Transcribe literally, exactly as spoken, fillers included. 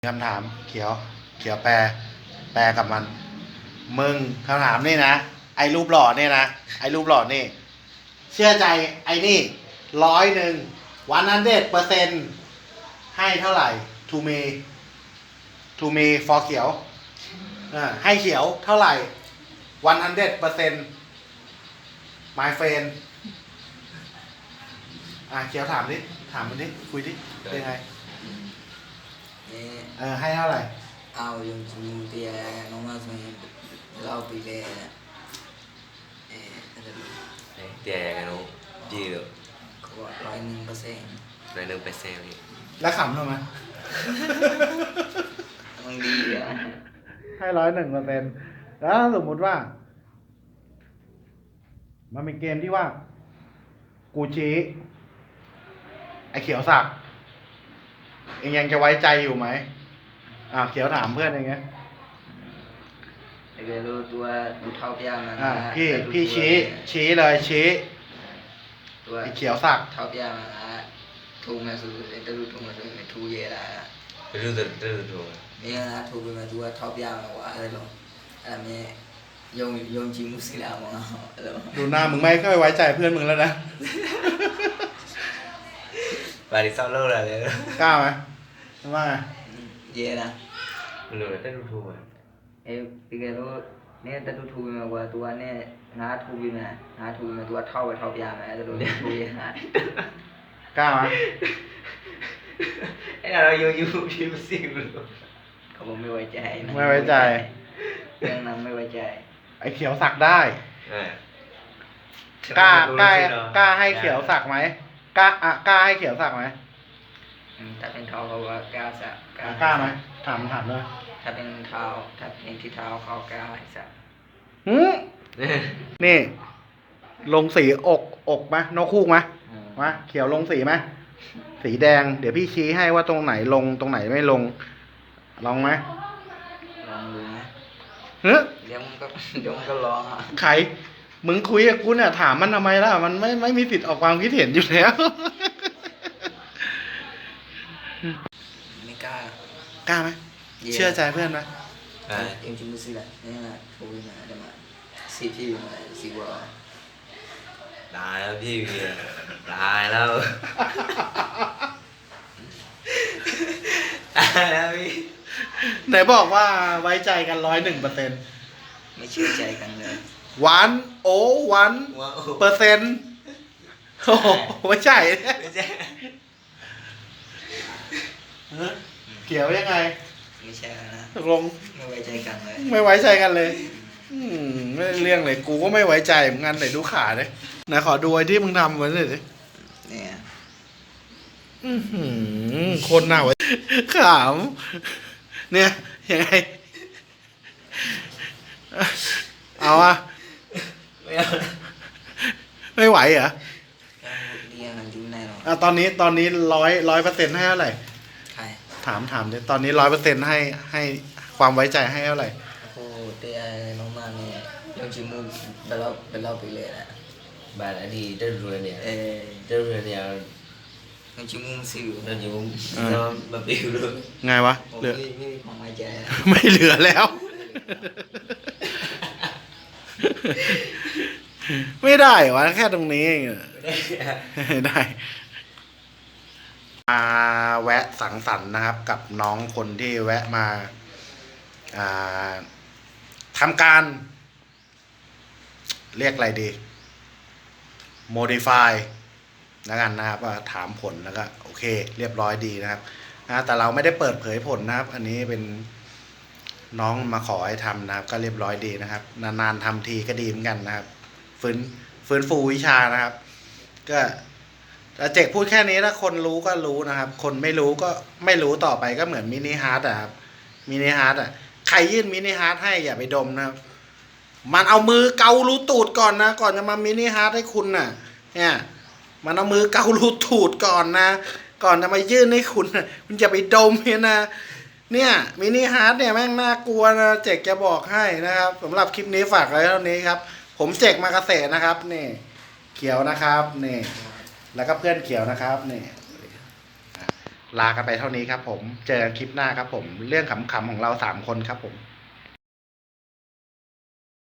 คำถามเขียวเขียวแปลแปลกับมันมึงคำถามนี่นะไอ้รูปหล่อเนี่ยนะไอ้รูปหล่อนี่เชื่อใจไอ้นี่ร้อยหนึ่งวันนั้นเด็ดเปอร์เซ็นต์ให้เท่าไหร่ to me to me for เขียวอ่าให้เขียวเท่าไหร่วันนั้นเด็ดเปอร์เซ็นต์ my friend อ่าเขียวถามดิถามมันดิคุยดิเป็นไงเออให้เท่าไหร่เอายงจิงเตียน้องมาสมัยเราปีเลยเออเตียกันนู้จีเลยเขาบอกร้อยหนึ่งเปอร์เซ็นต์ร้อยหนึ่งเปอร์เซ็นต์แล้วขำทำไมมันดีอ่ะให้ร้อยหนึ่งเปอร์เซ็นต์แล้วสมมุติว่ามันเป็นเกมที่ว่ากูชี้ไอเขียวสักเองยังจะไว้ใจอยู่ไหมอ่าเขียวถามเพื่อนอย่างเงี้ยไอ้เกลูตัวดูเท่าเปียมันอ่าพี่พี่ชี้ชี้เลยชี้ตัวไอเขียวสักเท่าเปียมันถูกไหมสุดไอ้ตัวถูกไหมสุดไม่ถูกเยอะละรู้ตัวรู้ตัวนี่นะถูกไปมาตัวเท่าเปียมันว่าอะไรหรออะไรเนี่ยยงยงจิมุสิลามั้งอะไรดูหน้ามึงไม่ค่อยไว้ใจเพื่อนมึงแล้วนะบาริซอลโล่อะไรเลยกล้าไหมว่าไงเยอะนะมันรู้แต่รู้ถูกไอ้พี่แกรู้เนี่ยแต่ดูถูกมาว่าตัวเนี่ยงาถูกไปมางาถูกมาตัวเท่าไปเท่าเปียมาแต่ดูเนี่ยถูกยังไงกล้าไหมไอ้เราอยู่อยู่อยู่สิบลูกเขาบอกไม่ไว้ใจไม่ไว้ใจเรื่องนั้นไม่ไว้ใจไอ้เขียวสักได้กล้ากล้ากล้าให้เขียวสักไหมกล้าอ่ะกล้าให้เขียวสักไหมถ้าเป็นเท้าเขาว่ากล้าสักกล้าไหมถามถามเลยถ้าเป็นเท้าถ้าเป็นที่เท้าเขากล้าให้สักหืมนี่ลงสีอกอกไหมนกคู่ไหมวะเขียวลงสีไหมสีแดงเดี๋ยวพี่ชี้ให้ว่าตรงไหนลงตรงไหนไม่ลงลองไหมลองดูไหมเฮ้ยเดี๋ยวมันก็เดี๋ยวมันก็ร้องอ่ะใครมึงคุยกับกูเนี่ยถามมันทำไมล่ะมันไม่ไม่มีสิทธิ์ออกความคิดเห็นอยู่แล้วไม่กล้ากล้าไหมเชื่อใจเพื่อนไหมเอ็มจิมุสิแหละนี่แหละถูกมาเดี๋ยวมาสีพี่มาสีวัวตายแล้วพี่ตายแล้วตายแล้วพี่ไหนบอกว่าไว้ใจกันร้อยหนึ่งเปอร์เซ็นต์ไม่เชื่อใจกันเลยวันโอวันเปอร์เซ็นต์โอ้ไม่ใช่ไม่ใช่เกี่ยวยังไงไม่ใช่นะตกลงไม่ไว้ใจกันเลยไม่ไว้ใจกันเลยอืมไม่เรื่องเลยกูก็ไม่ไว้ใจเหมือนกันไหนดูขาเลยไหนขอดูไอ้ที่มึงทำไว้หน่อยดิเนี่ยอือหือคนหน้าไว้ขำเนี่ยยังไงเอาอะไม่เอาไม่ไหวเหรอเรียนกันดิ้นแน่นอนอ่ะตอนนี้ตอนนี้ร้อยร้อยเปอร์เซ็นต์ให้เท่าไหร่ใช่ถามถามดิตอนนี้ร้อยเปอร์เซ็นต์ให้ให้ความไว้ใจให้เท่าไหร่โอ้เตะน้องมาเนี่ยยังชิมุเป็นรอบเป็นรอบไปเลยนะบาร์ดีเดินเรือเนี่ยเออเดินเรือเนี่ยยังชิมุสิวเดินอยู่มาปิวเลยไงวะเหลือไม่ไม่มีความไว้ใจไม่เหลือแล้วไม่ได้วะแค่ตรงนี้เองไม่ได้มาแวะสังสรรค์นะครับกับน้องคนที่แวะมาทำการเรียกอะไรดี modify แล้วกันนะครับว่าถามผลแล้วก็โอเคเรียบร้อยดีนะครับนะแต่เราไม่ได้เปิดเผยผลนะครับอันนี้เป็นน้องมาขอให้ทำนะครับก็เรียบร้อยดีนะครับนานๆทำทีก็ดีเหมือนกันนะครับฟื้นฟื้นฟูวิชานะครับก็เจกพูดแค่นี้ถ้าคนรู้ก็รู้นะครับคนไม่รู้ก็ไม่รู้ต่อไปก็เหมือนมินิฮาร์ดอะครับมินิฮาร์ดอะใครยื่นมินิฮาร์ดให้อย่าไปดมนะครับมันเอามือเการูตูดก่อนนะก่อนจะมามินิฮาร์ดให้คุณน่ะเนี่ยมันเอามือเการูตูดก่อนนะก่อนจะมายื่นให้คุณนะคุณอย่าไปดมเนี่ยนะเนี่ยมินิฮาร์ดเนี่ยแม่งน่ากลัวนะเจกจะบอกให้นะครับสำหรับคลิปนี้ฝากไว้เท่านี้ครับผมเจกมาเกษตรนะครับนี่เขียวนะครับนี่แล้วก็เพื่อนเขียวนะครับนี่ลากันไปเท่านี้ครับผม เจอกันคลิปหน้าครับผม เรื่องขำๆของเราสามคนครับผม